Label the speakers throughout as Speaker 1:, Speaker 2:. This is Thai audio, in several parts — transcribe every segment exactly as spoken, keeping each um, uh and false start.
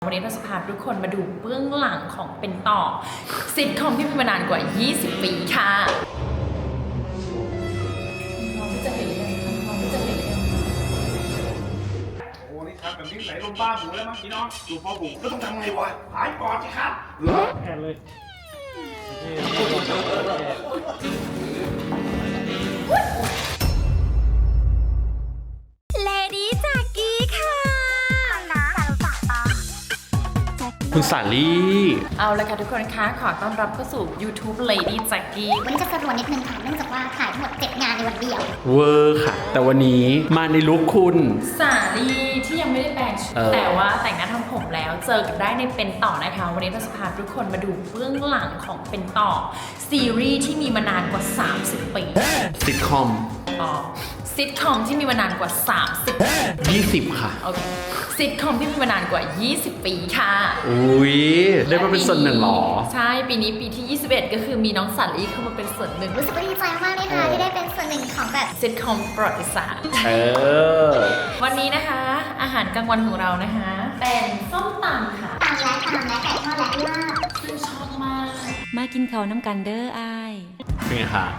Speaker 1: วันนี้เราจะพาทุกคนมาดูเบื้องหลังของเป็นต่อซิทคอมที่มีมานานกว่า ยี่สิบ ปีค่ะน้องที่จะเห็นยังน้องที่จะเห็นยัง
Speaker 2: โอ้นี่ครับแบบนี้ไหลลงบ้าหมูแล้วมั้งพี่น้องดูพ่อผมก็ต้องทำไงวะหายปอดสิครับเหรอแอนเลย
Speaker 1: เลดี้จากกี้ค่ะ
Speaker 3: คุณสาลี่
Speaker 1: เอาละค่ะทุกคนคะขอต้อนรับเข้าสู่ YouTube Lady Jackie
Speaker 4: วันนี้จะสรวนนิดนึงค่ะเนื่องจากว่าถ่ายทั้งหมดเจ็ดงานในวันเดียว
Speaker 3: เวอร์ค่ะแต่วันนี้มาในลุคคุณ
Speaker 1: สาลีที่ยังไม่ได้แปลงชุดแต่ว่าแต่งหน้าทำผมแล้วเจอกันได้ในเป็นต่อนะคะวันนี้เราจะพาทุกคนมาดูเบื้องหลังของเป็นต่อซีรีส์ที่มีมานานกว่า สามสิบ ปี
Speaker 3: ซิทคอม
Speaker 1: อ๋อซิทคอมที่มีมานานกว่า สามสิบ
Speaker 3: ยี่สิบค่ะ
Speaker 1: โอเคซิทคอมที่มีมานานกว่า ยี่สิบ ปีค่ะ
Speaker 3: อุ้ยได้มาเป็นส่วนหนึ่งหรอ
Speaker 1: ใช่ปีนี้ปีที่ยี่สิบเอ็ดก็คือมีน้องสาลีเข้ามาเป็นส่วนหนึ่ง
Speaker 4: รู้สึกว่าดีใจมากเลยค่ะที่ได้เป็นส่วนหนึ่งของแบบ
Speaker 1: ซิทคอมประวัติศาสตร์
Speaker 3: เออ
Speaker 1: วันนี้นะคะอาหารกลางวันของเรานะคะเป็นส้มตำค่ะ
Speaker 4: ตำและตำและไก่ทอดและลาบ
Speaker 1: ซึ่งชอบมาก
Speaker 5: มากินเขาน้ำกันเด้ออาย
Speaker 3: เป็นไงคะ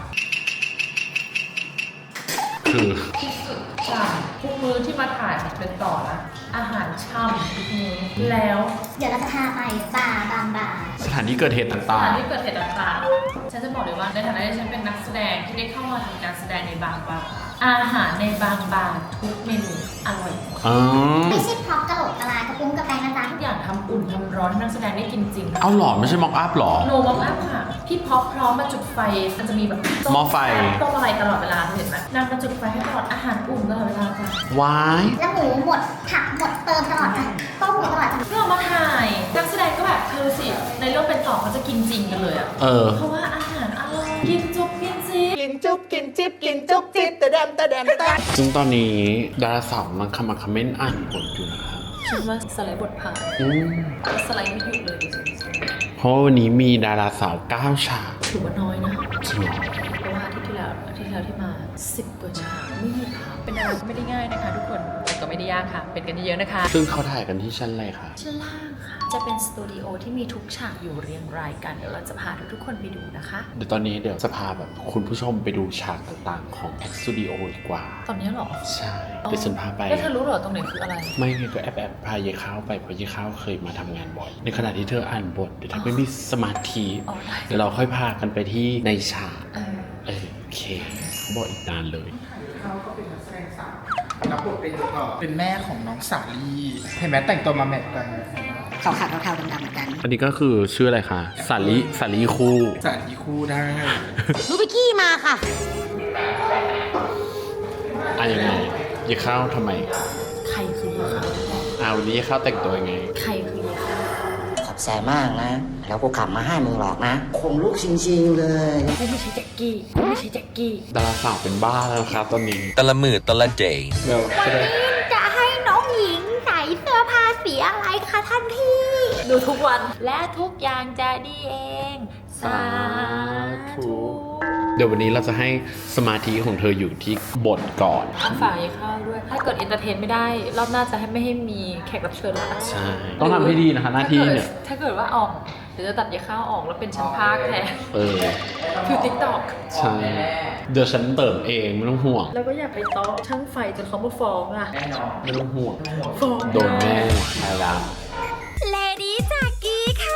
Speaker 3: คือ
Speaker 1: ที่สุดจ้ะทุกมื้อที่มาถ่ายเป็นต่อนะอาหารช่ำทุกมื้อแล้ว
Speaker 4: เดี๋ยวเราจะพาไปบาร์บางบาร์
Speaker 3: สถานที่เกิดเหตุต่างๆ
Speaker 1: สถานที่เกิดเหตุต่างๆฉันจะบอกเลยว่าในฐานะที่ฉันเป็นนักแสดงที่ได้เข้ามาทำการแสดงในบางบาร์อาหารในบางบาร์ทุกเมนูอร่อยหมด
Speaker 4: ไม่ใช่พร็อพกะโหลกกะลากระปุ้งกระแปงนะจ๊ะ
Speaker 1: ทุกอย่างทำอุ่นทำร้อนให้นักแสดงได้กินจริง
Speaker 3: เอาหรอไม่ใช่ม็อกอัพหรอ
Speaker 1: โนม็อกอัพค่ะพี่พ็อปพร้อมมาจุดไฟมันจะมีแบบ
Speaker 3: หม้อไฟ
Speaker 1: ต้มอะไรตลอดเวลาเห็นไหมนางมาจุดไฟให้ตลอดอาหารอุ่นตลอดเวลาจ้ะ
Speaker 3: ว้าย
Speaker 4: แล้วหมูหมดผักหมดเติมตลอดจ้ะต้มหมดตลอดจ้ะ
Speaker 1: เพื่อมาถ่ายนักแสดงก็แบบเธอสิในเรื่องเป็นต่อเขาจะกินจริงกันเลยอ่ะ
Speaker 3: เออ
Speaker 1: เพราะว่าอาหารอร่อยกินจุ๊บกินจิ๊บ
Speaker 6: กินจุ๊บกินจิ๊บกินจุ๊บจิ๊บแต่แดมแต่แดมแต่
Speaker 3: ซึ่งตอนนี้ดาราสาวมันคำมาคอมเมนต์อ่านบทอยู่นะคะ
Speaker 1: คิดว่าสไลด์บทผ่านสไลด์ไม่หยุดเลย
Speaker 3: เพราะวันนี้มีดาราสาวเก้าฉาก
Speaker 1: ถือว่าน้อยนะ
Speaker 3: จริงเหรอ
Speaker 1: เพราะว่าอาทิตย์ที่แล้วอาทิตย์ที่แล้วที่มาสิบกว่าฉากไม่มีค่ะเป็นดาราก็ไม่ได้ง่ายนะคะทุกคนแต่ก็ไม่ได้ยากค่ะเป็นกันเยอะๆนะคะ
Speaker 3: ซึ่งเขาถ่ายกันที่ชั้นอะไรคะ
Speaker 1: ชั้นล่างค่ะจะเป็นสตูดิโอที่มีทุกฉากอยู่เรียงรายกันเดี๋ยวเราจะพาทุกๆคนไปดูนะคะ
Speaker 3: เดี๋ยวตอนนี้เดี๋ยวจะพาแบบคุณผู้ชมไปดูฉากต่างๆของแอคสตูดิโอดีกว่า
Speaker 1: ตอนนี้หรอ
Speaker 3: ใช่เดี๋ยวฉันพาไป
Speaker 1: แล้วเธอรู้หรอตรงไหนคืออะไร
Speaker 3: ไม่ไงก็แอบแอบพายายข้าวไปเพราะยายข้าวเคยมาทำงานบ่อยในขณะที่เธออ่านบทเดี๋ยวเธอไม่มีสมาธิเดี๋ยวเราค่อยพากันไปที่ในฉากเออโอเคเขาบอกอีกนานเลย
Speaker 2: เขาก็เป็นนักแสดงสาวรับบทเป็นเออเป็นแม่ของน้องสาลีเห็นไหมแต่งตัวมาแมทกัน
Speaker 4: ขาวขาวเทาๆดำๆเหมือนกัน
Speaker 3: อันนี้ก็คือชื่ออะไรคะสาลีสาลีคู่
Speaker 2: สาลีคู่ได้
Speaker 4: รู้ไปกี้มาค่ะ
Speaker 3: อ่ะยังไงยายข้าวทำไม
Speaker 1: ใครคือยายข้าว
Speaker 3: อ้าววันนี้ยายข้าวแต่งตัวยังไง
Speaker 1: ใครคือยายข้าว
Speaker 7: ขอบใจมากนะแล้วกูขับมาให้มึงหรอกนะคงลูกชิงๆเลย
Speaker 1: ไม่ใช่แจ็คกี้ไม่ใช่แจ็คกี้
Speaker 3: ดาราสาวเป็นบ้าแล้วครับตอนนี้
Speaker 8: ตะละมือตะละเจ
Speaker 3: เดี๋ยว
Speaker 4: จะให้น้องหญิงใส่เสื้อผ้าสีอะไรคะท่านพี่
Speaker 1: ดูทุกวันและทุกอย่างจะดีเองสาธุ
Speaker 3: เดี๋ยววันนี้เราจะให้สมาธิของเธออยู่ที่บทก่อน
Speaker 1: ต้องฝากยายข้าวด้วยถ้าเกิดเอนเตอร์เทนไม่ได้รอบหน้าจะให้ไม่ให้มีแขกรับเชิญละ
Speaker 3: ใช่ต้องทำให้ดีนะคะหน้าที่เนี่ย
Speaker 1: ถ้าเกิดว่าออกเดี๋ยวจะตัดยายข้าวออกแล้วเป็นชั้นภาคแทน
Speaker 3: เออ
Speaker 1: คือติ๊กต็อก
Speaker 3: ใช่เดี๋ยวฉันเติมเองไม่ต้องห่วง
Speaker 1: แล้วก็อย่าไปโต๊ะช่างไฟจนเขามาฟ้องอ่ะ
Speaker 3: ไม่ต้องห่วง
Speaker 1: ฟ้อง
Speaker 3: โดนแม่ใช่แล้ว
Speaker 4: เลดี้จากกี้ค่ะ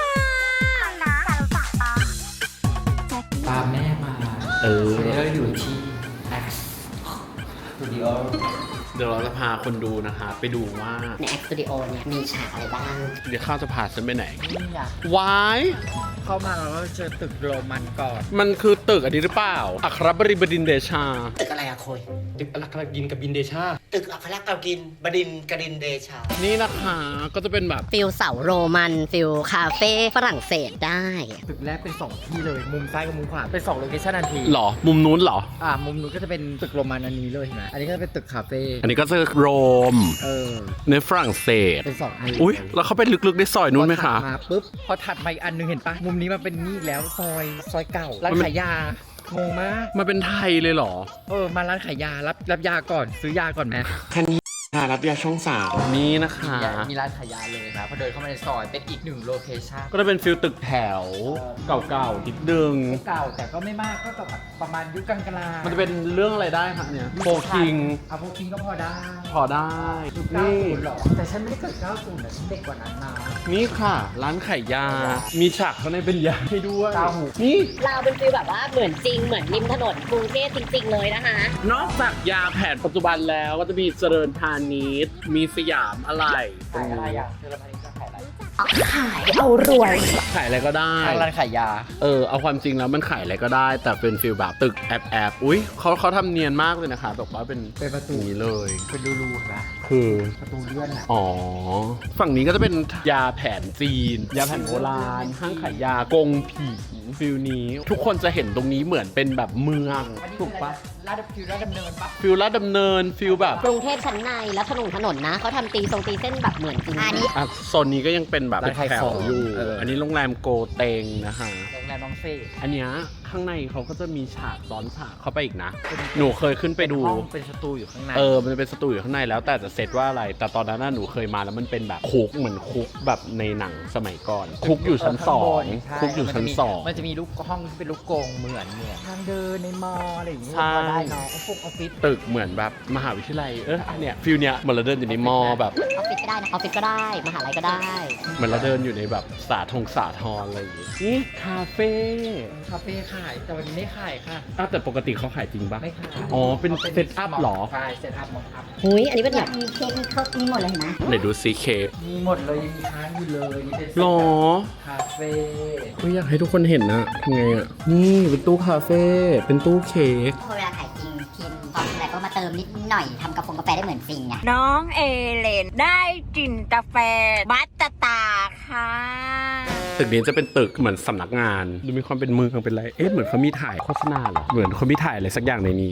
Speaker 6: ตามแม่มา
Speaker 3: เออ
Speaker 6: เราอยู่ที่ X Studio
Speaker 3: เดี๋ยวเราจะพาคนดูนะคะไปดูว่า
Speaker 4: ใน X Studio เนี่ยมีฉากอะไรบ้าง
Speaker 3: เดี๋ยวข้าวจะพาฉันไปไหน
Speaker 6: นี่อยาก
Speaker 3: วาย
Speaker 6: เข้ามาเราก็เจอตึกโรมันก่อน
Speaker 3: มันคือตึกอันนี้หรือเปล่าอัครบริบดินทร์เดชา
Speaker 7: ตึกอะไรอะโคย
Speaker 6: ตึกอัครกินกับบินเดชา
Speaker 7: ตึกอัครกบินบดินกรินเดชา
Speaker 3: นี่นะคะก็จะเป็นแบบ
Speaker 4: ฟิลเสาโรมันฟิลคาเฟ่ฝรั่งเศสได้
Speaker 6: ตึกแรกเป็นสองที่เลยมุมซ้ายกับมุมขวาเป็นสองโลเคชั่นทันที
Speaker 3: หรอมุมนู้นหรอ
Speaker 6: อ่ามุมนู้นก็จะเป็นตึกโรมันอันนี้เลยเห็นไหมอันนี้ก็จะเป็นตึกคาเฟ่
Speaker 3: อันนี้ก็จะโรม
Speaker 6: เออ
Speaker 3: ในฝรั่งเศส
Speaker 6: เป็นสองอัน
Speaker 3: อุ้ยแล้วเขาไปลึกๆในซอยนู้นไหมคะ
Speaker 6: มาปุ๊บพอถัดมาอีกอันนึงเห็นปะมุมนี้มันเป็นนี่แล้วซอยซอยเก่าร้านขายยางงมาก
Speaker 3: มันเป็นไทยเลยเหรอ
Speaker 6: เออมาร้านขายยารับรับยาก่อนซื้อยาก่อนไหม
Speaker 7: คันนี้
Speaker 3: หารับยาช่องสามนี้นะคะ
Speaker 6: มีร้านขายยาเลยนะพอเดินเข้ามาในซอยเป็นอีกหนึ่งโลเคชั่น
Speaker 3: ก็จะเป็นฟิลตึกแถวเก่าๆนิดนึง
Speaker 6: เก่าแต่ก็ไม่มากก็แบบประมาณยุคกลางๆ
Speaker 3: มันจะเป็นเรื่องอะไรได้ครับเนี่ยโฟคิง
Speaker 6: เอาโฟคิงก็พอได้
Speaker 3: พอได้
Speaker 6: เก้า
Speaker 3: นี่
Speaker 6: ศูนย์หรอแต่ฉันไม่ได้เกิดเก้าศูนย์นะฉันเด็กกว่านั้นนะ
Speaker 3: นี่ค่ะ ร้านขายยา มีฉากข้างในเป็นยาให้ด้วย
Speaker 6: เก้าหู
Speaker 3: นี่
Speaker 8: เราเป็นฟีลแบบว่าเหมือนจริงเหมือนริมถนนกรุงเทพจริง ๆ เลยนะคะ
Speaker 3: นอกจากยาแผนปัจจุบันแล้วก็จะมีเจริญพาณิชย์มีสยามอะไรตร
Speaker 6: ขาง ยอะไร
Speaker 3: นี้
Speaker 6: อ่ะเจอแล้วพันนี้จะขายอะไร
Speaker 8: ขายเอารวย
Speaker 3: ขายอะไรก็ได้
Speaker 6: ทางร้านขายยา
Speaker 3: เออเอาความจริงแล้วมันขายอะไรก็ได้ แต่เป็นฟิลแบบตึกแอบแอบอุ้ยเขาเขาทำเนียนมากเลยนะคะแบบว่าเป็น
Speaker 6: เป็นประตู
Speaker 3: อย่างนี้เลย
Speaker 6: เป็นรูๆนะ
Speaker 3: คือ
Speaker 6: ประตูเลื่อนอ่ะ
Speaker 3: อ๋อ ฝั่งนี้ก็จะเป็นยาแผนจีน ยาแผนโบราณ ห้างขายยากงผีฟิลนี้ ทุกคนจะเห็นตรงนี้เหมือนเป็นแบบเมือง ถูกปะ
Speaker 6: ลาดฟิวลาดดำเนินปะ
Speaker 3: ฟิลลาดดำเนินฟิลแบบ
Speaker 8: กรุงเทพชั้นในแล้วถนนถนนนะเขาทำตีทรงตีเส้นแบบเหมือนจริง
Speaker 4: อันนี้
Speaker 3: อ่ะโซนนี้ก็ยังเป็นแบบแถวอยู่ อันนี้โรงแรมโกเตงนะคะ
Speaker 6: โรงแรมน้องเฟ่
Speaker 3: อันเนี้ยข้างในเขาก็จะมีฉากซ้อนฉากเข้าไปอีกนะ หนูเคยขึ้นไปดู
Speaker 6: ห้องเป็นสตูอยู่ข้างใน
Speaker 3: เออ มันจะเป็นสตูอยู่ข้างในแล้วแต่จะเซตว่าอะไร แต่ตอนนั้นน่ะหนูเคยมาแล้วมันเป็นแบบคุกเหมือนคุกแบบในหนังสมัยก่อน คุกอยู่ชั้นสอง
Speaker 6: ใช่
Speaker 3: คุกอยู่ชั้นสอง
Speaker 6: มันจะมีลูกห้องที่เป็นลูกกรงเหมือนเหมือนทางเดินในมออะไรอย่างเงี้ย
Speaker 3: ใช่
Speaker 6: พอได้เนาะออฟฟิศออฟฟิศ
Speaker 3: ตึกเหมือนแบบมหาวิทยาลัย เอออันเนี้ยฟิลเนี้ยเหมือนเราเดินอยู่ในมอแบบ
Speaker 8: ออฟฟิศก็ได้นะออฟฟิศก็ได้ มหาลัยก็ได้
Speaker 3: เหมือนเราเดินอยู่ในแบบสาธงสาทรอะไรอย่างงี้นี่คาเฟ่
Speaker 6: คาเฟ่ขายแต่วันนี้ไม่ขายค่ะ
Speaker 3: อ้าวแต่ปกติเขาขายจริงปะ
Speaker 6: ไม่ขาย
Speaker 3: อ๋อเป็นเซตอัพเหรอ
Speaker 6: ใช่เซตอัพมองอัพ
Speaker 8: หุยอันนี้เป็นแบบ
Speaker 4: มีเค้กมีครบมีหมดเลยเห็นไหม
Speaker 3: ไหนดูซีเค้ก
Speaker 6: มีหมดเลยยังมีค้างอยู่เลยนี่เป็น
Speaker 3: หรอ
Speaker 6: คาเฟ่
Speaker 3: ก็อยากให้ทุกคนเห็นนะทำไงอ่ะ นี่เป็นตู้คาเฟ่ เป็นตู้เค้ก
Speaker 4: พอเวลาขายจริงพิมพ์ตอนอะไรก็มาเติมนิดหน่อยทำกาแฟกาแฟได้เหมือนจริงไง
Speaker 9: น้องเอเลนได้กลิ่นกาแฟบัตตาค่ะ
Speaker 3: ตึกนี้จะเป็นตึกเหมือนสำนักงาน ดูมีความเป็นเมืองเป็นไร เอ๊ะเหมือนเขามีถ่ายโฆษณาเหรอ เหมือนเขามีถ่ายอะไรสักอย่างในนี้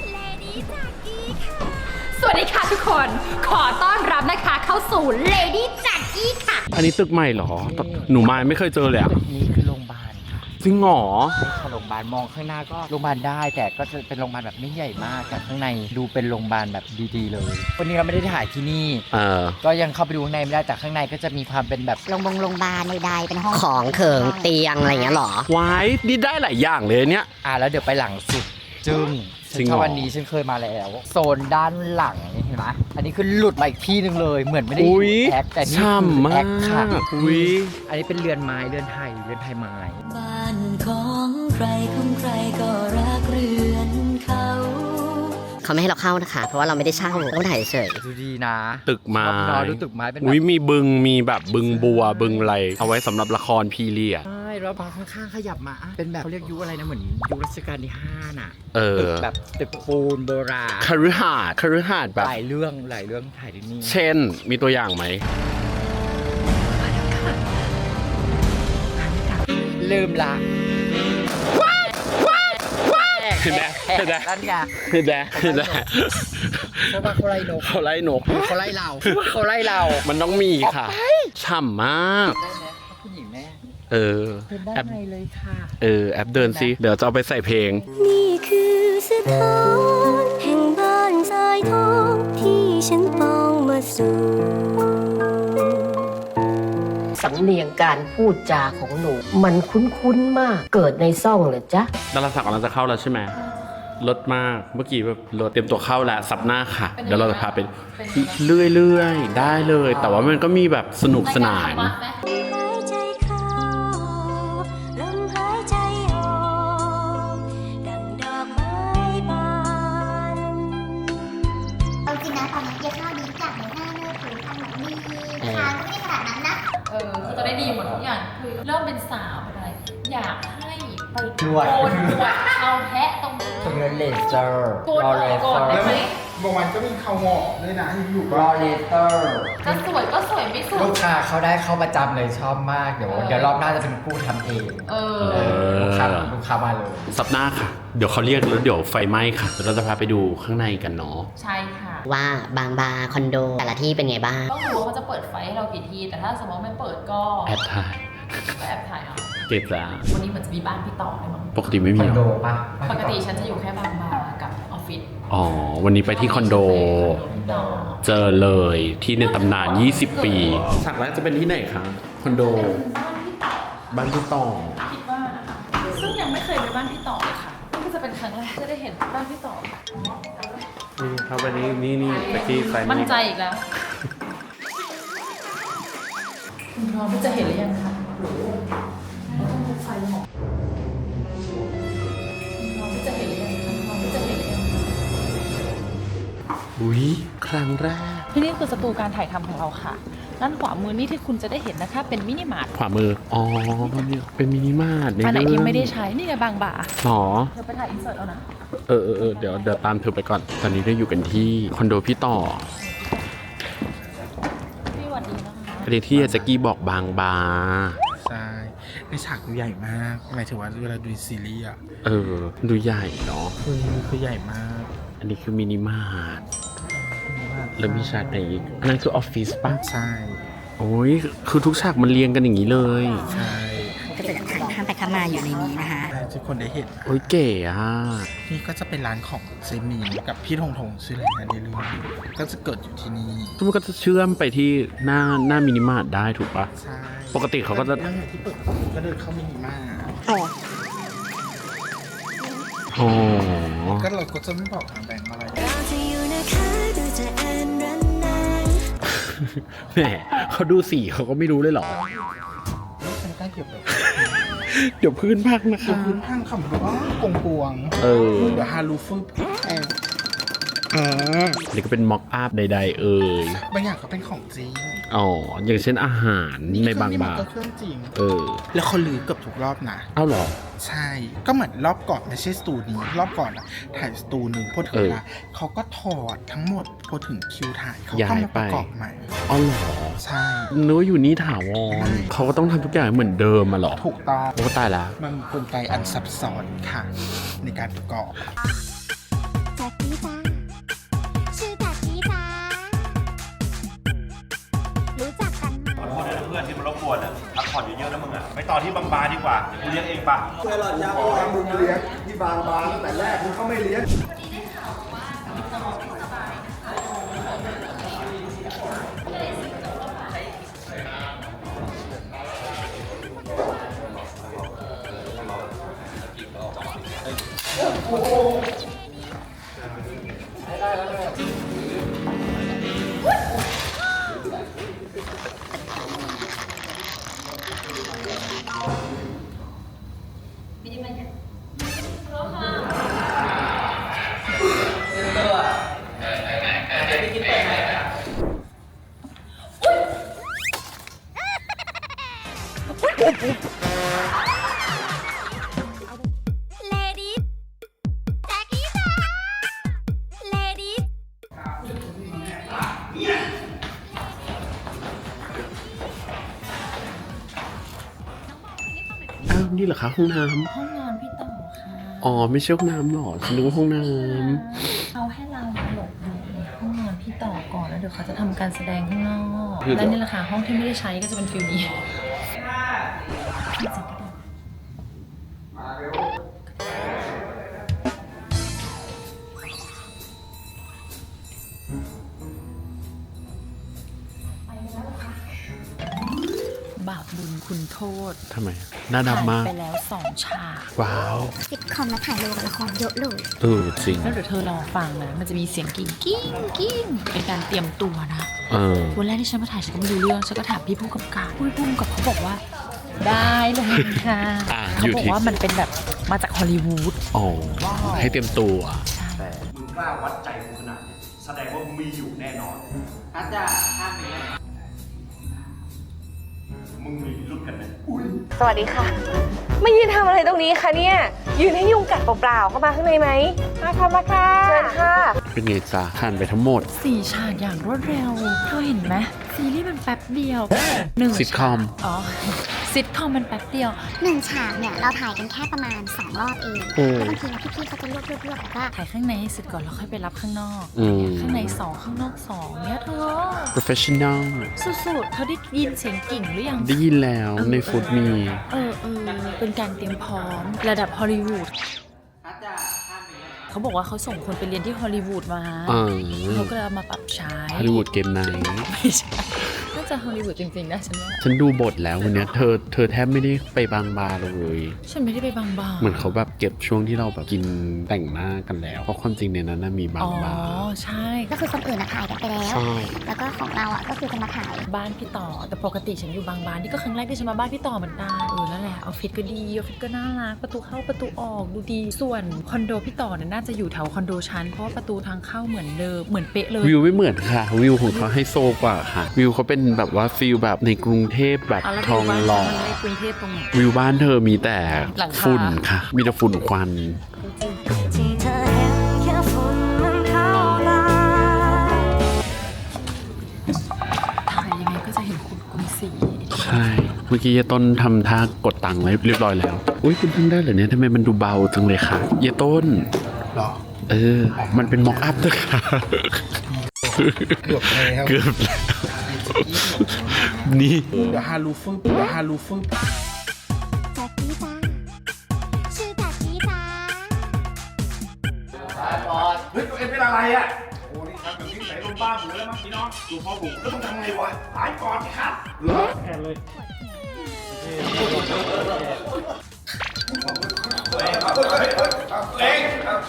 Speaker 1: สวัสดีค่ะทุกคน ขอต้อนรับนะคะเข้าสู่ Lady Jackie ค่ะ
Speaker 3: อันนี้ตึกใหม่เหรอ หนูมาไม่เคยเจอเลยอะ
Speaker 6: นี่คือโรงพยาบาลค่ะ
Speaker 3: จริงเหรอ
Speaker 6: นี่คือโรงพยาบาลมองข้างหน้าก็โรงพยาบาลได้ แต่ก็จะเป็นโรงพยาบาลแบบไม่ใหญ่มากแต่ข้างในดูเป็นโรงพยาบาลแบบดีๆเลยวันนี้เราไม่ได้ถ่ายที่นี่
Speaker 3: เออ
Speaker 6: ก็ยังเข้าไปดูข้างในไม่ได้แต่ข้างในก็จะมีความเป็นแบบ
Speaker 4: โรงพยาบาลโรงพยาบาลใดๆเป็นห้อง
Speaker 8: ของเขิงเตียงอะไรอย่างเงี้ยหรอ
Speaker 3: ไว้นี่ได้หลายอย่างเลยเนี่ย
Speaker 6: อ่าแล้วเดี๋ยวไปหลังสุดจึ้ง
Speaker 3: จริงเหรอ
Speaker 6: ฉันชอบอันนี้ฉันเคยมาแล้วโซนด้านหลังเห็นไหมอันนี้คือหลุดมาอีกที่หนึ่งเลยเหมือนไม่ได้
Speaker 3: อุ้ย
Speaker 6: แอคแต่นี่
Speaker 3: ช่
Speaker 6: คือ
Speaker 3: ำมา
Speaker 6: แอคค่ะ
Speaker 3: กอุ้ย
Speaker 6: อันนี้เป็นเรือนไม้เรือนไทยเรือนไทยไม้
Speaker 5: บ้านของใครของใครก็รักเรือนเขา
Speaker 8: เขาไม่ให้เราเข้านะคะ เพราะว่าเราไม่ได้เช่าต้องถ่ายเฉย
Speaker 6: ดูดีนะ
Speaker 3: ตึกไม้
Speaker 6: ชอบเนอะดูตึกไม้เป็นแบบ
Speaker 3: อุ้ยมีบึงมีแบบบึงบัวบึงอะไร เอาไว้สำหรับละครพีเรียด
Speaker 6: ใช่แล้วพอข้างๆขยับมาอ่ะเป็นแบบเขาเรียกยุคอะไรนะเหมือนยุครัชกาลที่ห้าน่ะ
Speaker 3: เออ
Speaker 6: ตึกแบบตึกปูนโบราณ
Speaker 3: คฤหาสน์คฤหาสน์แบบ
Speaker 6: หลายเรื่องหลายเรื่องถ่ายที่นี่
Speaker 3: เช่น มีตัวอย่างไหม
Speaker 6: ลืมละ
Speaker 3: เห็นไหมเห็นไหม
Speaker 6: นั่นไง
Speaker 3: เห็นไหมเห็นไหม
Speaker 6: เพราะว่าเขาไล่นก
Speaker 3: เขาไล่นก
Speaker 6: เขาไล่เราเขาไล่เรา
Speaker 3: มันต้องมีค่ะ ฉ่ำมาก
Speaker 6: ได้ไหมผู้หญิงแม่
Speaker 3: เออ
Speaker 6: เดินได้
Speaker 3: แอป
Speaker 6: ไงเลยค่ะ
Speaker 3: เออ แอปเดินสิ เดี๋ยวจะเอาไปใส่เพลง
Speaker 5: นี่คือสถานแห่งบ้านทรายทองที่ฉันต้องมาสู่
Speaker 8: สำเนียงการพูดจาของหนู มันคุ้นๆมาก เกิดในซ่องเหรอจ๊ะ
Speaker 3: ดาราศักดิ์กำลังจะเข้าแล้วใช่ไหมลดมาก เมื่อกี้แบบรถเตรียมตัวเข้าแล้วซับหน้าค่ะ เดี๋ยวเราจะพาไปเรื่อยๆ ได้เลย แต่ว่ามันก็มีแบบสนุกสนาน
Speaker 5: หายใจเข้าลมหายใจออกดังดอกไม้บาน
Speaker 4: เอาจริงนะตอนนี้เยอะข้าวดีจากในหน้าเนื้อผิวทางหนังดีทางก็ไม่ได้ขนาดนั้นนะ
Speaker 1: เออคือจะได้ดีหมดทุกอย่างคือเริ่มเป็นสาวเป็นอะไร อยากให้ไป
Speaker 6: นวด
Speaker 1: โกนหนวดเอาแพะตรงนี้
Speaker 6: ตรงนี้เลเซอร์
Speaker 1: โกน
Speaker 6: รอ
Speaker 1: หน
Speaker 6: เล
Speaker 1: วด
Speaker 6: เซ
Speaker 1: ก่อ
Speaker 6: อน
Speaker 1: ได้
Speaker 6: ร์
Speaker 1: ไหม
Speaker 2: บางวันก็มีเขาหมอกด้วยนะที่อยู่
Speaker 6: ร
Speaker 2: บ้า
Speaker 6: อน เลเซอร์
Speaker 1: จะสวยก็สวยไม่สวย
Speaker 6: ลูกค้าเขาได้เข้าประจำเลยชอบมาก เดี๋ยว
Speaker 1: เออ
Speaker 6: เดี๋ยวรอบหน้าจะเป็นผู้ทำเอง
Speaker 1: เออ
Speaker 6: เออลูกค้าลูกค้ามาเลย
Speaker 3: ซับหน้าค่ะ เดี๋ยวเขาเรียกแล้วเดี๋ยวไฟไหม้ค่ะ เดี๋ยวเราจะพาไปดูข้างในกันเนาะ
Speaker 1: ใช่ค่ะ
Speaker 8: ว่าบางบาร์คอนโด แต่ละที่เป็นไงบ้าง
Speaker 1: ต้องดูว่าเขาจะเปิดไฟให้เรากี่ที แต่ถ้าสมมติไม่เปิดก็
Speaker 3: แอบถ่าย
Speaker 1: ก็แอบถ่ายเอา
Speaker 3: เจ็บจ้า
Speaker 1: วันนี้เหมือนจะมีบ้านพี่ต่อเลยมั้ง
Speaker 3: ปกติไม่
Speaker 6: ค
Speaker 3: มี
Speaker 6: อน
Speaker 3: หร
Speaker 6: โด
Speaker 3: อ
Speaker 6: ปะ
Speaker 1: ปกติฉันจะอยู่แค่บางบากับออฟฟิศ
Speaker 3: อ๋อ วันนี้ไปที่คอนโด เจอเลยที่ในตำนาน ยี่สิบ ปีฉากแรกจะเป็นที่ไหนคะ คอนโด บ้านพี่ต่อ
Speaker 1: คิดว่านะคะซึ่งยังไม่เคยไปบ้านพี่ต่อเลยค่ะนี่ก็จะเป็นครั้งแรกที่ได้เห็นบ้านพี่ต่อ
Speaker 3: นี่ครับวันนี้นี่นี่ไปที่ไฟ
Speaker 1: มั่นใจอีกแล้ว คุณพร้อมที่จะเห็นหรือยังคะไฟหอมคุณพร้อมที่จะเห็นหรือยังคะพร้อมที่จะเห็นหรือยังคะ
Speaker 3: อุ้ยครั้งแรก
Speaker 1: ที่นี่คือสตูการถ่ายทำของเราค่ะด้านขวามือนี่ที่คุณจะได้เห็นนะคะ เป็นมินิมาร์ท
Speaker 3: ขวามือ อ๋อเนี่ยเป็นมินิมาร์ท
Speaker 1: อันไหน
Speaker 3: เรื่
Speaker 1: ที่
Speaker 3: อง
Speaker 1: ไม่ได้ใช้นี่ไงบางบ่า
Speaker 3: หรอ
Speaker 1: เธอไปถ่ายอินเสิร์ตเอานะ
Speaker 3: เออเออเออเดี๋ยวเดี๋ยวตามเธอไปก่อน ตอนนี้เราอยู่กันที่คอนโดพี่ต่อ
Speaker 1: พี่หวัดดีนะคะ
Speaker 3: อันนี้ที่แจ็กกี้บอกบางบา
Speaker 2: ใช่ในฉากดูใหญ่มากหมายถึงว่าเวลาดูซีรีส์อ่ะ
Speaker 3: เออ ดูใหญ่เนาะ
Speaker 2: คือคือใหญ่มาก
Speaker 3: อันนี้คือมินิมาร์ทแล้วมีฉากไหนอีกอันนั้นคือออฟฟิศป่ะ
Speaker 2: ใช่
Speaker 3: โอ้ย คือทุกฉากมันเรียงกันอย่างนี้เลย
Speaker 2: ใช่
Speaker 9: ก็จะข้ามไปข้ามมาอยู่ในนี้นะคะ
Speaker 2: ทุกคนได้เห็น
Speaker 3: โอ้ยเก๋อะ
Speaker 2: นี่ก็จะเป็นร้านของเซมีนกับพี่ธงธงชื่ออะไรนะในเรื่องก็จะเกิดอยู่ที่นี่
Speaker 3: ทุกคนก็จะเชื่อมไปที่หน้าหน้ามินิมาร์ทได้ถูกปะ
Speaker 2: ใช่
Speaker 3: ปกติเขาก็จะ
Speaker 2: เรื่องที่เปิดก็เดินเข้ามินิมาร์ท
Speaker 3: อ๋อ
Speaker 2: ก็เราก็จะไม่บอกทางแบงค์อะไร
Speaker 3: แหมเขาดูสีเขาก็ไม่รู้เลยเหรอ
Speaker 2: ไม่ใช่ใกล้เกี่ยวกับ
Speaker 3: เดี๋ยวพื้นพักนะ
Speaker 2: คือ
Speaker 3: คะ
Speaker 2: พื้นทางคำว่ากงกวง
Speaker 3: เออ
Speaker 2: เดี๋ยวฮารูฟึบ
Speaker 3: อ่านี่ก็เป็นม็อกอัพใดๆเอ่ย
Speaker 2: บางอย่างก็เป็นของจริง
Speaker 3: อ๋อ อย่างเช่นอาหารในบางบา
Speaker 2: เครื่องนี้มันก็
Speaker 3: ร์
Speaker 2: เครื่องจริง
Speaker 3: เออ
Speaker 2: แล้วเขาลือเกือบทุกรอบนะ
Speaker 3: เอ้าเหรอ
Speaker 2: ใช่ ก็เหมือนรอบก่อนไม่ใช่สตูนี้ รอบก่อนอะถ่ายสตูหนึ่งพอถึง
Speaker 3: เออ
Speaker 2: เวลาเขาก็ถอดทั้งหมดพอถึงคิวถ่ายเขา
Speaker 3: ย้า
Speaker 2: ก็
Speaker 3: ย
Speaker 2: มา
Speaker 3: ไป
Speaker 2: ประกอบใหม่
Speaker 3: อ๋อเหรอ
Speaker 2: ใช่
Speaker 3: นึกว่าอยู่นี่ถาวร เขาก็ต้องทำทุกอย่างเหมือนเดิมมาหรอ
Speaker 2: ถูกต้อง
Speaker 3: โอ้ตายละ
Speaker 2: มันมีกลไกอันซับซ้อนค่ะ ในการประกอบ
Speaker 4: จากกี้จ้าชื่อจากกี้จ้ารู้จักกันไหม
Speaker 10: ขอโทษด้วยนะเพื่อนที่มันรบกวนอ่ะพักผ่อนเยอะๆนะมึงอ่ะ ไปต่อที่บางบาดีกว่าเดี๋ยวกูเลี้ยงเองปะ
Speaker 11: มึงเลี้ยงที่บางบานตั้งแต่แรกมึงก็ไม่เลี้ยง
Speaker 4: เลดี้จากกี้จ้าเลดี้
Speaker 3: อ้าวนี่เหรอคะห้องน้ำ
Speaker 1: ห้องนอนพี่ต่อค่ะ
Speaker 3: อ๋อ ไม่ใช่ห้องน้ำหรอฉันนึกว่าห้องน้
Speaker 1: เขาให้เราหลบอยู่ในห้องนอนพี่ต่อก่อนแล้วเดี๋ยวเขาจะทำการแสดงข้างนอก
Speaker 3: คือ
Speaker 1: และนี่แหละค่ะห้องที่ไม่ได้ใช้ก็จะเป็นฟิลนี้ บาปบุญคุณโทษ
Speaker 3: ำทำไม หน้าดำมาก
Speaker 1: ผ่นไปแล้วสองฉาก
Speaker 3: ว้าว
Speaker 4: ซิทคอมและถ่ายโลกับละครเยอะเลย
Speaker 3: เออจริง
Speaker 1: แล้วเดี๋ยวเธอรอฟังนะ มันจะมีเสียงกิ้งกิ้งกิ้งเป็นการเตรียมตัวนะ
Speaker 3: เออ
Speaker 1: วันแรกที่ฉันมาถ่ายฉันก็ไม่รู้เรื่อง ฉันก็ถามพี่ผู้กำกับพี่ผู้กำกับเขาบอกว่า ได้เลยค่ะ
Speaker 3: อ่ะ
Speaker 1: เขา
Speaker 3: อยู่
Speaker 1: บอก
Speaker 3: ที่
Speaker 1: ว่ามันเป็นแบบมาจากฮอลลีวูด
Speaker 3: อ๋อ ให้เตรียมตัว
Speaker 10: มึงกล้าวัดใจกูขนาดเนี้ยแสดงว่ามึงมีอยู่แน่นอน
Speaker 6: อาจารย์ข้ามไปเลย
Speaker 10: มึงมีรุ่นกันไหม
Speaker 9: สวัสดีค่ะ มายืนทำอะไรตรงนี้คะเนี่ย ยืนให้ยุงกัดเปล่าๆเข้ามาข้างในไหมมาค่ะมาค่ะเชิญค่ะ
Speaker 3: เป็นไงจ๊ะผ่านไปทั้งหมด
Speaker 1: สี่ฉากอย่างรวดเร็วเธอเห็นไหมซีรีส์มันแป๊บเดียวหนึ่ง
Speaker 3: ซิทคอม
Speaker 1: ฉากอ๋อซิทคอมมันแป๊บเดียว
Speaker 4: หนึ่งฉากเนี่ย เราถ่ายกันแค่ประมาณสองรอบเอง
Speaker 3: อืม
Speaker 4: แล้วบางทีนะพี่ๆเขาจะรวบรวบรวบแล้วก็
Speaker 1: ถ่ายข้างในให้เสร็จก่อนแล้วค่อยไปรับข้างนอก
Speaker 3: อืม
Speaker 1: ข้างในสองข้างนอกสองเนี่ยเธอ
Speaker 3: professional
Speaker 1: สุดๆเขาได้ยินเสียงกิ่งหรือยัง
Speaker 3: ได้ยินแล้วในฟุตมี
Speaker 1: เออเออเป็นการเตรียมพร้อมระดับฮอลลีวูด
Speaker 6: อาจารย์ข้ามไปเลย
Speaker 1: เขาบอกว่าเขาส่งคนไปเรียนที่ฮอลลีวูดมา
Speaker 3: อ่า
Speaker 1: เขาก็เลยเอามาปรับใช้
Speaker 3: ฮอลลีวูดเกมไนท์
Speaker 1: ไม่ใช่น่าจะฮอลลีวูดจริงๆนะฉันว่า
Speaker 3: ฉันดูบทแล้ววันเนี้ยเธอเธอแทบไม่ได้ไปบางบาเลย
Speaker 1: ฉันไม่ได้ไปบางบา
Speaker 3: เหมือนเขาแบบเก็บช่วงที่เราแบบกินแต่งหน้ากันแล้ว เพราะความจริงในนั้นนะมีบา
Speaker 1: อ๋
Speaker 3: ง
Speaker 1: อ
Speaker 3: บา
Speaker 1: ใช่
Speaker 4: ก็คือคนอื่นนะถ่ายกันไปแล้ว
Speaker 3: ใช่
Speaker 4: แล้วก็ของเราอ่ะก็คือจะมาถ่าย
Speaker 1: บ้านพี่ต่อแต่ปกติฉันอยู่บางบานนี่ก็ครั้งแรกที่ฉันมาบ้านพี่ต่อเหมือนกันเออนั่นแหละออฟฟิศก็ดีออฟฟิศก็น่ารักประตูเข้าประตูออกดูดีส่วนคอนโดพี่ต่อเนี่ยน่าจะอยู่แถวคอนโดชั้นเพราะว่าประตูทางเข้าเหมือนเดิมเหมือนเป๊ะเลย
Speaker 3: วิวไม่เหมือนค่ะ วิวของเขาให้โซกว่าค่ะ วิวเขาเป็นแบบว่าฟิลแบบในกรุงเทพแบบ
Speaker 1: เอาแล้ว
Speaker 3: ทองหล่อ
Speaker 1: ดูบ้านฉันในกรุงเทพตรงไหน
Speaker 3: วิวบ้านเธอมีแต่
Speaker 1: หลังคา
Speaker 3: ฝุ่นค่ะ มีแต่ฝุ่นควัน
Speaker 5: ที่เธอเห็นแค่ฝุ่นมันเข้าตา
Speaker 1: ถ่ายยังไงก็จะเห็นคุณคุณสี
Speaker 3: ใช่ เมื่อกี้เยต้นทำท่ากดตังค์ไว้เรียบร้อยแล้ว อุ้ยคุณเพิ่งได้เหรอเนี่ยทำไมมันดูเบาจังเลยค่ะ เยต้น
Speaker 2: หรอ
Speaker 3: เออ มันเป็นม็อกอัพด้วยค่ะ
Speaker 2: เกือบแล้ว
Speaker 3: เกือบแล้ว นี่
Speaker 2: เดี๋ยวฮารูฟึบเดี๋ยวฮารูฟึบ
Speaker 4: จากกี้จ้าชื่อจากกี้จ้า
Speaker 10: เฮ้ยตัวเองเป็นอะไรอ่ะ โอ้นี่ทำแบบนี้ใส่ลมบ้าหมูแล้วมั้งพี่น้องดูพ่อผมแล้วต้องทำไงวะตายก่อนสิครับเหรอแค่เลยเล็ง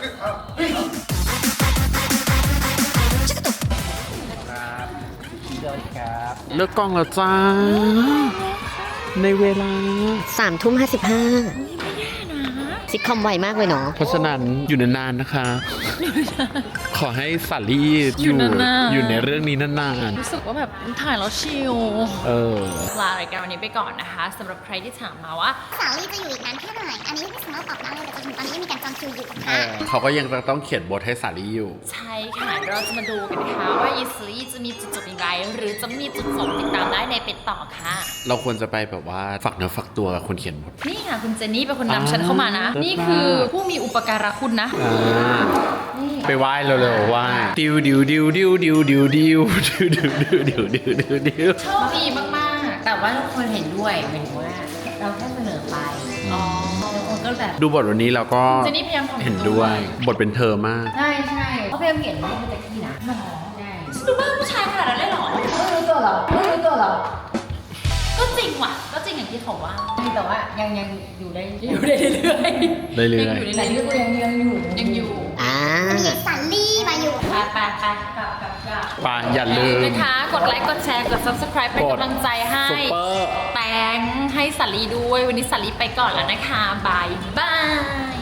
Speaker 3: เลิกกล้องแล้วจ้า ในเวลา
Speaker 8: สามทุ่มห้าสิบห้าซิทคอมไวมากเลยเนาะ
Speaker 3: เพราะฉะนั้นอยู่นานๆนะคะ ขอให้สาลี่
Speaker 1: อยู่นานๆ
Speaker 3: อยู่ในเรื่องนี้นาน
Speaker 1: รู้สึกว่าแบบถ่ายแล้วชิล
Speaker 3: ๆ เออ
Speaker 1: ลารายการวันนี้ไปก่อนนะคะสำหรับใครที่ถามมาว่า
Speaker 4: สาวลี่จะอยู่อีกนานแค่ไหนอันนี้ไม่สามารถตอบได้เลยแต่จนถึงตอนนี้ยังมีการจองคิวอยู่
Speaker 3: เออเขาก็ยังต้องเขียนบทให้สาลี่อยู่
Speaker 1: ใช่ค่ะ เราจะมาดูกันนะคะว่ายีสลีจะมีจุดจบอย่างไร หรือจะมีจุดจบติดตามได้ในเป็ดต่อค่ะ
Speaker 3: เราควรจะไปแบบว่าฝักเนื้อฝักตัวกับคนเขียนบท
Speaker 1: นี่ค่ะคุณเจนนี่เป็นคนนำฉัน
Speaker 3: อ่า
Speaker 1: เข้ามานะ
Speaker 3: เลิศ
Speaker 1: นี่คือผู้มีอุปการะคุณนะ
Speaker 3: อ่า
Speaker 1: นี่
Speaker 3: ไปไหว้เร็วๆไหว้ดิวดิวดิวดิวดิวดิวดิวดิวดิวดิวดิวดิวดิวดิว
Speaker 1: โชคดีมากๆ แต่ว่าทุกคนเห็นด้วยหมายถึงว่า เราแค่เสนอไป อ๋อคนก็แบบ
Speaker 3: ดูบทวันนี้เราก็
Speaker 1: เจนนี่พยายามทำ
Speaker 3: เห็นด้วย บทเป็นเธอมาก
Speaker 1: ใช่ใช่เขาพยายามเห็นว่าเป็นตะกี้นะใช่ดูบ้าผู้ชายขนาดนั้นเลยเหรอไม่รู้ตัวหรอไม่รู้ตัวหรอ ก็จริงว่ะ ก็จริงอย่างที่เขาว่าแต่ว่ายังยังอยู่ได้อยู่ได้เรื่อยๆ
Speaker 3: เรื่อยๆ
Speaker 1: ยังอยู่ได้เรื่อยๆยังยังอยู่ยังอยู่
Speaker 8: อ่า
Speaker 4: มีสาวลี่มาอยู่
Speaker 1: ไปไปไปกลับกลับกลับ
Speaker 3: ไปอย่าลืม
Speaker 1: นะคะ กดไลค์ กดแชร์ กด subscribe เป็นกำลังใจให้
Speaker 3: ซุปเปอร์
Speaker 1: แตงให้สาลีด้วย วันนี้สาลีไปก่อนแล้วนะคะ บายบาย